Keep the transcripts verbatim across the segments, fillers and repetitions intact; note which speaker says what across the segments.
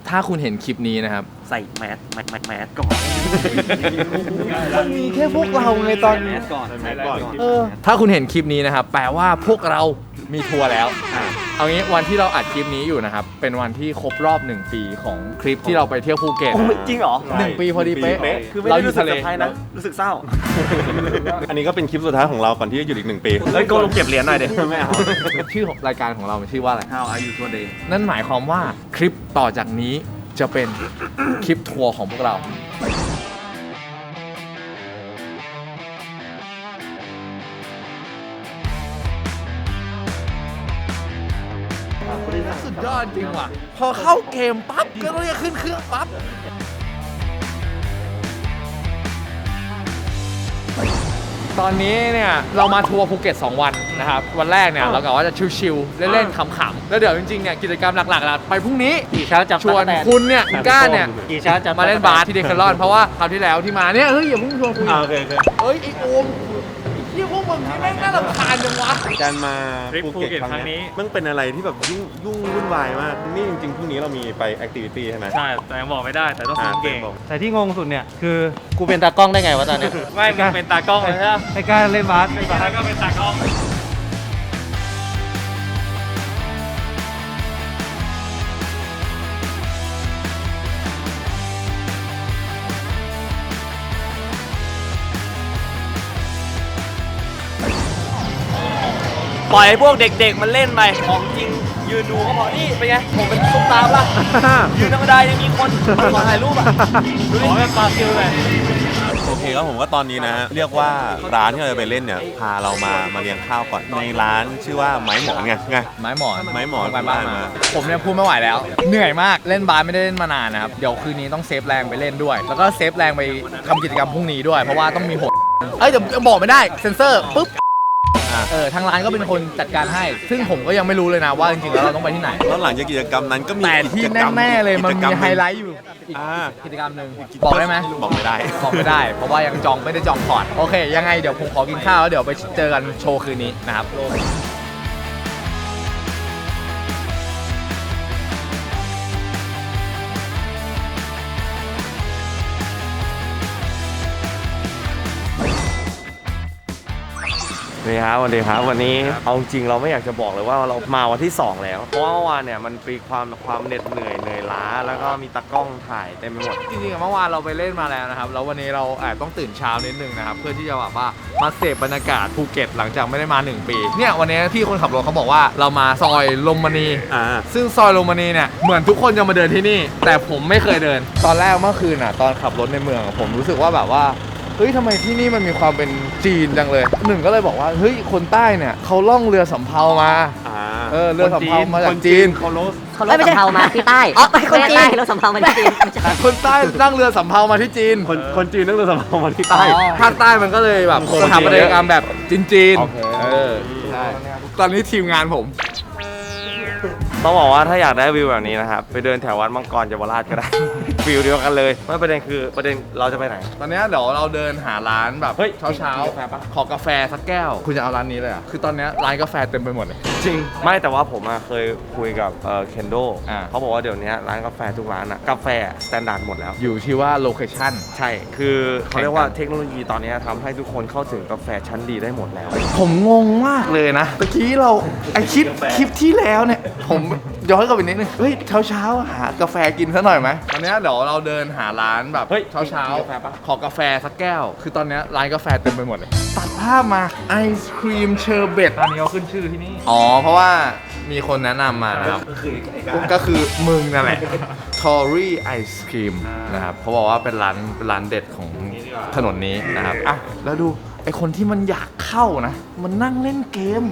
Speaker 1: ถ้าคุณเห็นคลิปนี้นะครับ
Speaker 2: ใส่แมสแมสแมสแมสก่อน
Speaker 1: มันมีแค่พวกเราไงตอนนี้
Speaker 2: แมสก่อนแมสก่อน
Speaker 1: เออถ้าคุณเห็นคลิปนี้นะครับแปลว่าพวกเรามีทัวร์แล้วเอางี้วันที่เราอัดคลิปนี้อยู่นะครับเป็นวันที่ครบรอบหนึ่งปีของคลิปที่เราไปเที่ยวภูเก็ต
Speaker 2: จริงเหรอ
Speaker 1: หนึ่งปีพอดีเป๊ะ
Speaker 2: คือไม่ได้รู้สึกเซอร์ไพรส์นะรู้สึกเศร้า
Speaker 3: อันนี้ก็เป็นคลิปสุดท้ายของเราก่อนที่จะหยุดอีกหนึ่งปี
Speaker 2: เฮ้ยโกลงเก็บเหรียญหน่อยเดี๋ยวไม่เอา
Speaker 1: ชื่อของรายการของเรามันชื่อว่าอะไร
Speaker 2: How are you today
Speaker 1: นั่นหมายความว่าคลิปต่อจากนี้จะเป็นคลิปทัวร์ของพวกเราสุดยอดจริงว่ะพอเข้าเกมปั๊บก็ต้องจะขึ้นเครื่องปั๊บตอนนี้เนี่ยเรามาทัวร์ภูเก็ตสองวันนะครับวันแรกเนี่ยเรากะว่าจะชิลๆเล่นๆขำๆแล้วเดี๋ยวจริงๆเนี่ยกิจกรรมหลักๆไปพรุ่งนี้ชวนคุณเนี่ยคุณก้าเนี่ยมาเล่นบาสที่เดคาร์ลอนเพราะว่าคราวที่แล้วที่มาเนี่ยเฮ้ยอย่าเพิ่งชวนคุย
Speaker 3: โอเคโอเค
Speaker 1: เฮ้ยไอ้โอมที่พวกมึงที่แม่งน่ารำคาญจังวะ
Speaker 3: การมาภูเก็ตครั้งนี้มันเป็นอะไรที่แบบยุ่งยุ่งวุ่นวายมากนี่จริงๆพรุ่งนี้เรามีไปแอคทิวิตี้ใช่ไหม
Speaker 4: ใช่แต่ยังบอกไม่ได้แต่ต้องคุมเก่ง
Speaker 5: แต่ที่งงสุดเนี่ยคือกูเป็นตากล้องได้ไงวะตอนนี้
Speaker 4: ไม่มึงเป็นตากล้องเลยใช่ไหม
Speaker 5: ไอ้การเล่นบาส
Speaker 4: ไอ้การก็เป็นตากล้อง
Speaker 2: ปล่อยให้พวกเด็กๆมันเล่นไปของจริงยืนดูก็พอนี่เป็นไงผมเป็นซุปตาร์ละยืนธรรมดายังมีคนมาขอถ่ายรูปอ่ะ
Speaker 4: ดูดิขอแบบปาซิลเลย
Speaker 3: โอเคครับผมว่าตอนนี้นะเรียกว่าร้านที่เราจะไปเล่นเนี่ยพาเรามามาเลี้ยงข้าวก่อนในร้านชื่อว่าไม้หมอนไงไง
Speaker 1: ไม้หมอน
Speaker 3: ไม้หมอน
Speaker 1: ไปบ้านมาผมเนี่ยพูดไม่ไหวแล้วเหนื่อยมากเล่นบาสไม่ได้เล่นมานานนะครับเดี๋ยวคืนนี้ต้องเซฟแรงไปเล่นด้วยแล้วก็เซฟแรงไปทำกิจกรรมพรุ่งนี้ด้วยเพราะว่าต้องมีหดเอ้ยเดี๋ยวบอกไม่ได้เซ็นเซอร์ปุ๊บเออทางร้านก็เป็นคนจัดการให้ซึ่งผมก็ยังไม่รู้เลยนะว่าจริงๆแล้วเราต้องไปที่ไหน
Speaker 3: แล้วหลังจากกิจกรรมนั้นก็มี
Speaker 1: แต่ที่แน่ๆเลยมันมีไฮไลท์อยู่อีกกิจกรรมหนึ่งบอกได้ไหม
Speaker 3: บอกไม่ได้
Speaker 1: บอกไม่ได้เพราะว่ายังจองไม่ได้จองพอร์ตโอเคยังไงเดี๋ยวผมขอกินข้าวแล้วเดี๋ยวไปเจอกันโชว์คืนนี้นะครับ
Speaker 2: สวัสดีครับสวัสดีครับวันนี้เอาจริงเราไม่อยากจะบอกเลยว่าเรามาวันที่สองแล้วเพราะว่าเมื่อวานเนี่ยมันมีความความเหน็ดเหนื่อยเหนื่อยล้าแล้วก็มีตากล้องถ่ายเต็มไปหมด
Speaker 1: จริงๆเมื่อวานเราไปเล่นมาแล้วนะครับแล้ววันนี้เราแอบต้องตื่นเช้านิดนึงนะครับเพื่อที่จะแบบว่ามาเสพบรรยากาศภูเก็ตหลังจากไม่ได้มาหนึ่งปีเนี่ยวันนี้พี่คนขับรถเขาบอกว่าเรามาซอยลมมณีซึ่งซอยลมมณีเนี่ยเหมือนทุกคนจะมาเดินที่นี่แต่ผมไม่เคยเดินตอนแรกเมื่อคืนอ่ะตอนขับรถในเมืองผมรู้สึกว่าแบบว่าเฮ้ยทำไมที่นี่มันมีความเป็นจีนจังเลยหนึ่งก็เลยบอกว่าเฮ้ยคนใต้เนี่ยเขาล่องเรือสำเภามาเออเรือสำเภามาจากจีน
Speaker 5: เขาล่องเขาล่องสำเภามาที่ใต้
Speaker 1: อ๋อ
Speaker 5: คนจีนเราสำเภามาที่จีน
Speaker 1: คนใต้นั่งเรือสำเภามาที่จีน
Speaker 3: คนคนจีนนั่งเรือสำเภามาที่ใต้
Speaker 1: ภาคใต้มันก็เลยแบบสถาปัตยกรรมแบบจีนๆเออใช่ตอนนี้ทีมงานผม
Speaker 2: ต้องบอกว่าถ้าอยากได้วิวแบบนี้นะครับไปเดินแถววัดมังกรเยาวราชก็ได้วิวเดียวกันเลยไม่ประเด็นคือประเด็นเราจะไปไหน
Speaker 1: ตอนนี้เดี๋ยวเราเดินหาร้านแบบเช้าเช้าขอกาแฟสักแก้วคุณจะเอาร้านนี้เลยอ่ะคือตอนนี้ร้านกาแฟเต็มไปหมดเลย
Speaker 2: จริงไม่แต่ว่าผมเคยคุยกับเอ่อเคนโดเขาบอกว่าเดี๋ยวนี้ร้านกาแฟทุกร้านอะกาแฟสแตนดาร์ดหมดแล้ว
Speaker 1: อยู่ที่ว่าโลเคชั่น
Speaker 2: ใช่คือเขาเรียกว่าเทคโนโลยีตอนนี้ทำให้ทุกคนเข้าถึงกาแฟชั้นดีได้หมดแล้ว
Speaker 1: ผมงงมากเลยนะเมื่อกี้เราไอคลิปคลิปที่แล้วเนี่ยผมย้อนกลับไปนิดนึงเฮ้ยเช้าเช้าหากาแฟกินซะหน่อยไหมตอนนี้เดี๋ยวเราเดินหาร้านแบบเช้าเช้าขอกาแฟสักแก้วคือตอนนี้ร้านกาแฟเต็มไปหมดเลยตัดภาพมาไอศครีมเชอร์เบต
Speaker 4: ร้านนี้เขาขึ้นชื่อที่นี่
Speaker 1: อ๋อเพราะว่ามีคนแนะนำมานะครับก็คือมึงนั่นแหละทอรี่ไอศครีมนะครับเขาบอกว่าเป็นร้านเป็นร้านเด็ดของถนนนี้นะครับอ่ะแล้วดูไอคนที่มันอยากเข้านะมันนั่งเล่นเกม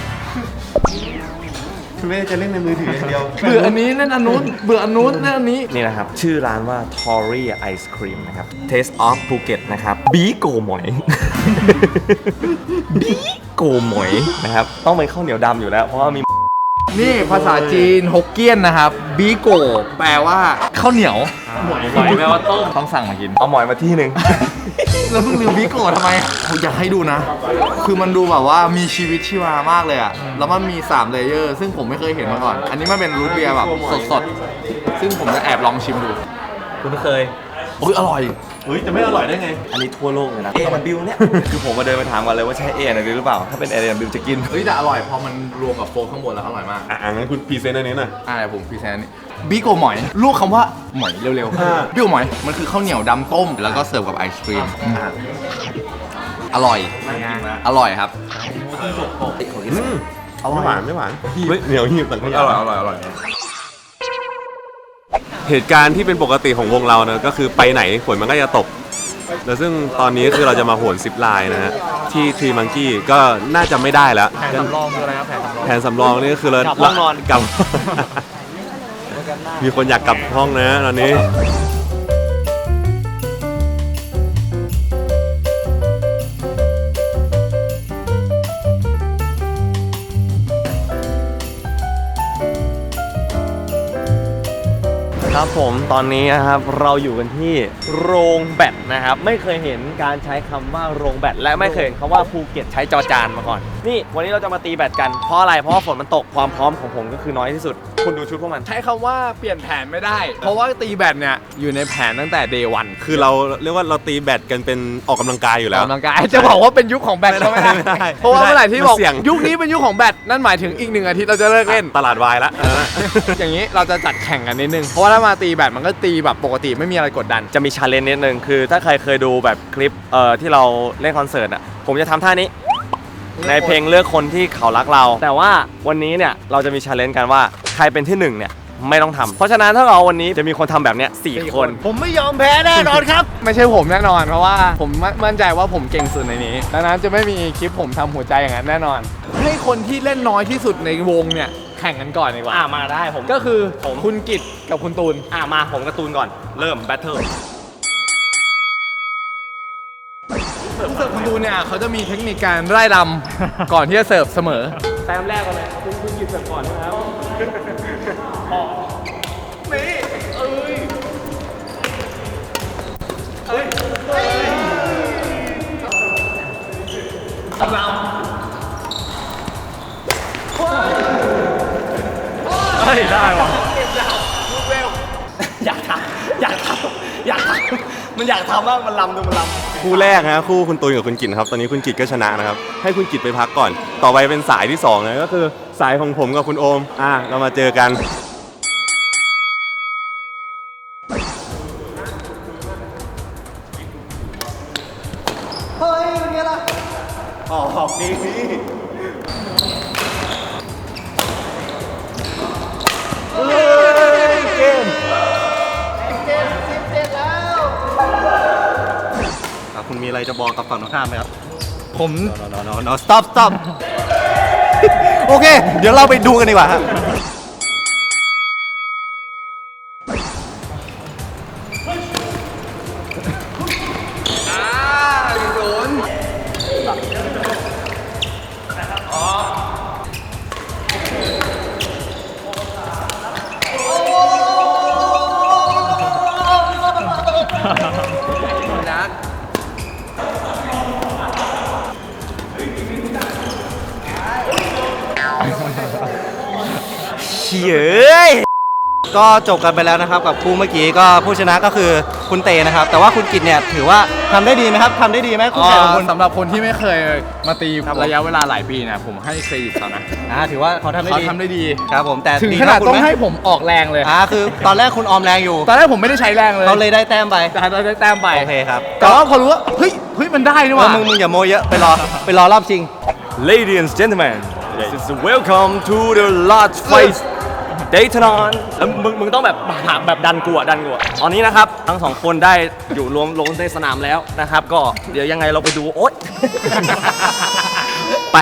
Speaker 3: คือไม่ได้จะเล่นในมือถืออย่างเดียว
Speaker 1: เบื่ออันนี้เล่นอันนู้นเบื่ออันนู้นเล่นอันนี้
Speaker 2: นี่นะครับชื่อร้านว่า Tory Ice Cream นะครับ Taste of Phuket นะครับบีโกหมอยบีโกหมอยนะครับต้องเป็นข้าวเหนียวดำอยู่แล้วเพราะว่ามี
Speaker 1: นี่ภาษาจีนฮกเกี้ยนนะครับบีโกแปลว่าข้าวเหนียว
Speaker 4: หมอยแปลว่าต้ม
Speaker 1: ต้องสั่งมากิน
Speaker 2: เอาหมอยมาที่หนึ่ง
Speaker 1: แล้วเพิ่งลืมบีโกทำไมผมอยากให้ดูนะคือมันดูแบบว่ามีชีวิตชีวามากเลยอะแล้วมันมีสามเลเยอร์ซึ่งผมไม่เคยเห็นมาก่อนอันนี้มันเป็นรูทเบียร์แบบสดๆซึ่งผมจะแอบลองชิมดู
Speaker 2: คุณเคย
Speaker 1: โอ้ยอร่อย
Speaker 3: เฮ้ยจะไม่อร่อยได้ไง
Speaker 2: อันนี้ทั่วโลกเลยนะ เอ ดับเบิลยู เนี่ย คือผมมาเดินไปถามกันเลยว่าใช่ เอ ดับเบิลยู หรือเปล่า ถ้าเป็น เอ ดับเบิลยู จะกิน
Speaker 1: เฮ้ยแต่อร่อยพอมันรวมกับโฟกข้างบนแล้วอร่อยมาก
Speaker 3: อ่ะงั้นคุณพรีเซนต์อันนี้หน่อย
Speaker 1: อ่าผมพรีเซนต์นี่บิโกหมอยลูกคำว่าหมอยเร็ว
Speaker 3: อ่า
Speaker 1: ๆบิโกหมอยมันคือข้าวเหนียวดำต้ม แล้วก็เสิร์ฟกับไอศครีมอร่อยอร่อยครับ
Speaker 3: ไม่หวานไม่หวานเฮ้ยเหนียวหีบต่างกัน
Speaker 1: อร่อยอร่อยอร่อย
Speaker 3: เหตุการณ์ที่เป็นปกติของวงเรานะก็คือไปไหนฝนมันก็จะตก แล้วซึ่งตอนนี้คือเราจะมาโหนซิปไลน์นะฮะที่ทรีมังกี้ก็น่าจะไม่ได้แล้ว
Speaker 1: แผนสำรองคืออะไรครับแผนสำรอง
Speaker 3: แผนสำรองนี่ก็คือเรา
Speaker 2: กลับห้องนอน
Speaker 3: กลับ มีคนอยากกลับห้องนะตอนนี้
Speaker 2: ครับผมตอนนี้นะครับเราอยู่กันที่โรงแบตนะครับ ไม่เคยเห็นการใช้คำว่าโรงแบตและไม่เคยเห็นคำว่าภูเก็ตใช้จอจานมาก่อน นี่วันนี้เราจะมาตีแบตกันเพราะอะไรเพราะว่าฝนมันตกความพร้อมของผมก็คือน้อยที่สุด คุณดูชุดพวกมัน
Speaker 1: ใช้คำว่าเปลี่ยนแผนไม่ได้ เพราะว่าตีแบตเนี่ยอยู่ในแผนตั้งแต่เดย์วัน
Speaker 3: คือเราเรียกว่าเราตีแบตกันเป็นออกกำลังกายอยู่แล้ว
Speaker 1: กำลังกายจะบอกว่าเป็นยุคของแบตก็ไม่ได้
Speaker 3: ไม่ได้
Speaker 1: เพราะว่าเมื่อไหร่ที่บอก
Speaker 3: มันเสี่ยง
Speaker 1: ยุคนี้เป็นยุคของแบตนั่นหมายถึงอีกหนึ่งอาทิตย์เราจะเลิกเล่น
Speaker 3: ตลาดวายละ
Speaker 1: อย่างนี้เราจะจัดแข่งกันนิดนึง เพราะว่าถ้ามาตีแบตมันก็ตีแบบปกติไม่มีอะไรกดดัน
Speaker 2: จะมีชาเลนจ์นิดนึงคือถ้าใครเคยดูแบบคลิปเอ่อที่เราเล่นคอนเสิร์ตอ่ะผมจะทำท่านี้ ในเพลงเลือกคนที่เขารักเรา แต่ว่าวันนี้เนี่ยเราจะมีชาเลนจ์กันว่าใครเป็นที่หนึ่งเนี่ยไม่ต้องทำเพราะฉะนั้นถ้าเราวันนี้จะมีคนทำแบบเนี้ยสี่คน
Speaker 5: ผมไม่ยอมแพ้แน่นอนครับ
Speaker 1: ไม่ใช่ผมแน่นอน เพราะว่าผมมั่นใจว่าผมเก่งสุดในนี้ดังนั้นจะไม่มีคลิปผมทำหัวใจอย่างนั้นแน่นอน ให้คนที่เล่นน้อยที่สุดในวงเนี่ยแข่งกันก่อนดีกว่า
Speaker 2: อ่ามาได้ผม
Speaker 1: ก็คือ
Speaker 2: ผม
Speaker 1: คุณกิตกับคุณตูน
Speaker 2: อ่ามาผมการ์ตูนก่อนเริ่มแบทเทิล
Speaker 1: ผู้เสิร์ฟคุณตูนเนี่ยเขาจะมีเทคนิคการไล่ลำ ก่อนที่จะเสิร์ฟเสมอ
Speaker 2: แต้มแรกก่อนเลยคุณคุณหยิบเสิร์ฟก่อนนะครับนี่เอ้ยเอ้ยเราเฮ้ยได้ว่ะอยากทำอยากทำอยากทำมันอยากทำมากมันลำดูมันลำ
Speaker 3: คู่แรกนะคู่คุณตูนกับคุณกิตครับตอนนี้คุณกิตก็ชนะนะครับให้คุณกิตไปพักก่อน ต่อไปเป็นสายที่สองนะก็คือสายของผมกับคุณโอมอ่ะเรามาเจอกันเฮ้ยเป็นไงล่ะออกดีเกมคุณมีอะไรจะบอกกับฝั่งตรงข้ามไหมครับ
Speaker 5: ผม no no no stop stop โอเค เดี๋ยวเราไปดูกันดีกว่าครับ เฉยก็จบกันไปแล้วนะครับกับคู่เมื่อกี้ก็ผู้ชนะก็คือคุณเตนะครับ แต่ว่าคุณกิตเนี่ยถือว่าทำได้ดีไหมครับทำได้ดีไหมคุณแข่งของคุณ
Speaker 1: สำหรับคนที่ไม่เคยมาตี
Speaker 5: ครับผม
Speaker 1: ระยะเวลาหลายปีนะผมให้เครดิตเขานะ
Speaker 5: อ่าถือว่าเขาทำได้
Speaker 1: เขา
Speaker 5: ดี
Speaker 1: ทำได้ดี
Speaker 5: ครับผมแต่
Speaker 1: ถึง
Speaker 5: ดี
Speaker 1: ขนาด
Speaker 5: เท่คุณ
Speaker 1: ต้อง
Speaker 5: ไม
Speaker 1: ให้ผมออกแรงเลย
Speaker 5: อ่าคือตอนแรกคุณออมแรงอยู่
Speaker 1: ตอนแรกผมไม่ได้ใช้แรงเลย
Speaker 5: เขาเลยได้แต้มไป
Speaker 1: แต่เราได้แต้มไป
Speaker 5: โอเคครับ
Speaker 1: แต่ว่าพอรู้ว่าเฮ้ยเฮ้ยมันได้นี่ห
Speaker 5: เออ
Speaker 1: ว่า
Speaker 5: มึงมึงอย่าโมเยอะไปรอไปรอรอบชิง
Speaker 2: Ladies and gentlemen, this is welcome to the large fight Daytona แล้วมึงมึงต้องแบบแบบดันกูอะดันกูอะตอนนี้นะครับทั้งสองคนได้อยู่รวมลงในสนามแล้วนะครับ ก็เดี๋ยวยังไงเราไปดูโอ๊ย ไป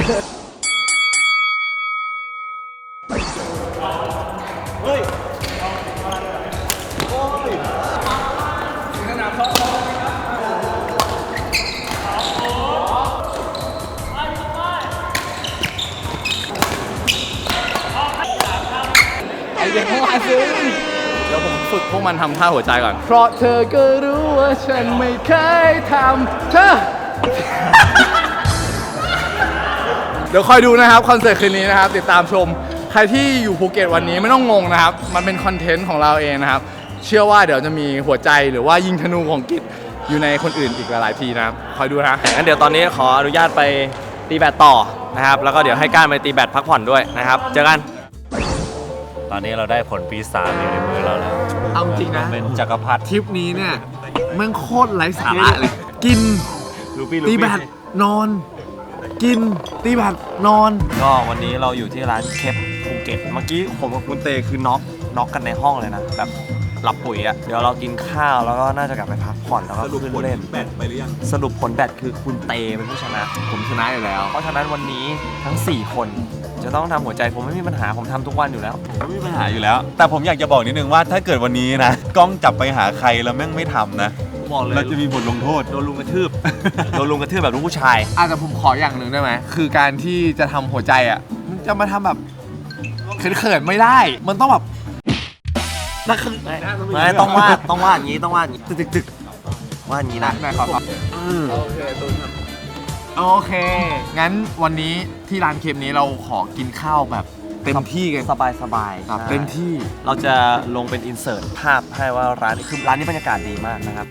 Speaker 1: ไอเด็กเมื่อวานซื้อเดี๋ยวผมฝึกพวกมันทำท่าหัวใจก่อน เพราะเธอก็รู้ว่าฉันไม่เคยทำเธอ เดี๋ยวคอยดูนะครับคอนเสิร์ตคืนนี้นะครับ ติดตามชมใครที่อยู่ภูเก็ตวันนี้ไม่ต้องงงนะครับมันเป็นคอนเทนต์ของเราเองนะครับเชื่อว่าเดี๋ยวจะมีหัวใจหรือว่ายิงธนูของกิจอยู่ในคนอื่นอีกหลายๆทีนะครับคอยดูนะ
Speaker 2: งั้นเดี๋ยวตอนนี้ขออนุญาตไปตีแบดต่อนะครับแล้วก็เดี๋ยวให้ก้านไปตีแบดพักผ่อนด้วยนะครับเจอกัน
Speaker 4: ตอนนี้เราได้ผลปีศาจอยู่ในมือเราแล้ว
Speaker 1: เอาจริงนะ
Speaker 4: เป็นจักรพรรดิ
Speaker 1: ทริปนี้เนี่ยแมันโคตรไร้สาระเลย กิน
Speaker 2: ลูปี้ลู
Speaker 1: ตี
Speaker 2: ปี้
Speaker 1: แบดนอน กินตีแบดนอน
Speaker 2: ก็วันนี้เราอยู่ที่ร้านเคปภูเก็ตเมื่อกี้ผมกับคุณเตคือน็อกน็อกกันในห้องเลยนะแบบหลับปุ๋ยอะเดี๋ยวเรากินข้าวแล้วก็น่าจะกลับไปพักผ่อนแล้วก็ขึ้นเล่น
Speaker 3: แบตไปหรือยัง
Speaker 2: สรุปผลแบดคือคุณเตเป็นผู้ชนะ
Speaker 1: ผมชนะอยู่แล้ว
Speaker 2: เพราะฉะนั้นวันนี้ทั้ง สี่ คนจะต้องทำหัวใจผมไม่มีปัญหาผมทำทุกวันอยู่แล้ว
Speaker 3: ไม่มีปัญหาอยู่แล้ว แต่ผมอยากจะบอกนิดนึงว่าถ้าเกิดวันนี้นะกล้องจับไปหาใครแล้วแม่งไม่ทำนะ
Speaker 2: บอกเลย
Speaker 3: เราจะมีบทลงโทษ
Speaker 2: โดนลุงกระทืบ โดนลุงกระทืบแบบลูกผู้ชาย
Speaker 1: อาจจะผมขออย่างหนึ่งได้ไหมคือการที่จะทำหัวใจอ่ะมันจะมาทำแบบเขินๆไม่ได้ มันต้องแบบนักคือ
Speaker 2: ไม่ต้องวาดต้องวาดอย่างนี้ต้องวาดอย่างนี้ตึกตึกตึกวาดอย่างนี้นะ
Speaker 1: นายขอครับโอเคตูนครับโอเค งั้นวันนี้ที่ร้านเคปนี้เราขอกินข้าวแบบเต็มที่กัน
Speaker 2: สบายสบาย
Speaker 1: ครับ
Speaker 2: ใช่
Speaker 1: เต็มที่
Speaker 2: เราจะลงเป็นอินเสิร์ตภาพให้ว่าร้านคือร้านนี้บรรยากาศดีมากนะครับ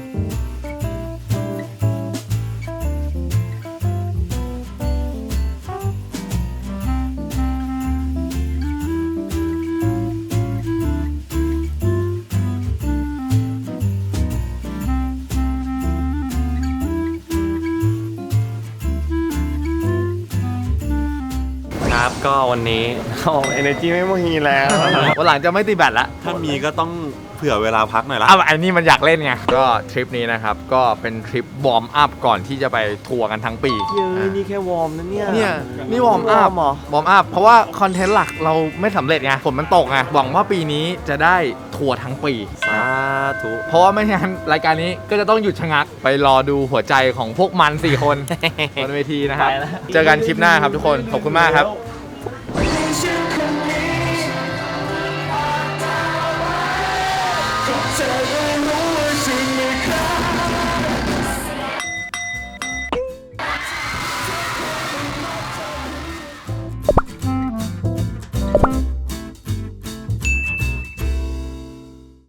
Speaker 2: ครับก็วันนี้โอ้ energy ไม่มีแล้ว
Speaker 1: วันหลังจะไม่ตีแบตละ
Speaker 3: ถ้ามีก็ต้องเผื่อเวลาพักหน่อยละ
Speaker 1: อ้าวอันนี้มันอยากเล่นไง ก็ทริปนี้นะครับ ก็เป็นทริปวอร์มอัพก่อนที่จะไปทัวร์กันทั้งปี
Speaker 2: เย้ยนี่แค่วอร์มนะเนี่ย
Speaker 1: เนี่ยนี่วอร์มอัพ
Speaker 2: เหรอ
Speaker 1: วอร์มอัพ เพราะว่าคอนเทนต์หลักเราไม่สำเร็จไง ฝนมันตกไง หวังว่าปีนี้จะได้ทัวร์ทั้งปี
Speaker 2: สาธุ
Speaker 1: เพราะว่าไม่งั้นรายการนี้ก็จะต้องหยุดชะงัก ไปรอดูหัวใจของพวกมันสี่คน บนเวทีนะครับ เจอกันคลิปหน้าครับทุกคน ขอบคุณมากครับ
Speaker 6: เธอได้รู้ว่าฉันไม่เคย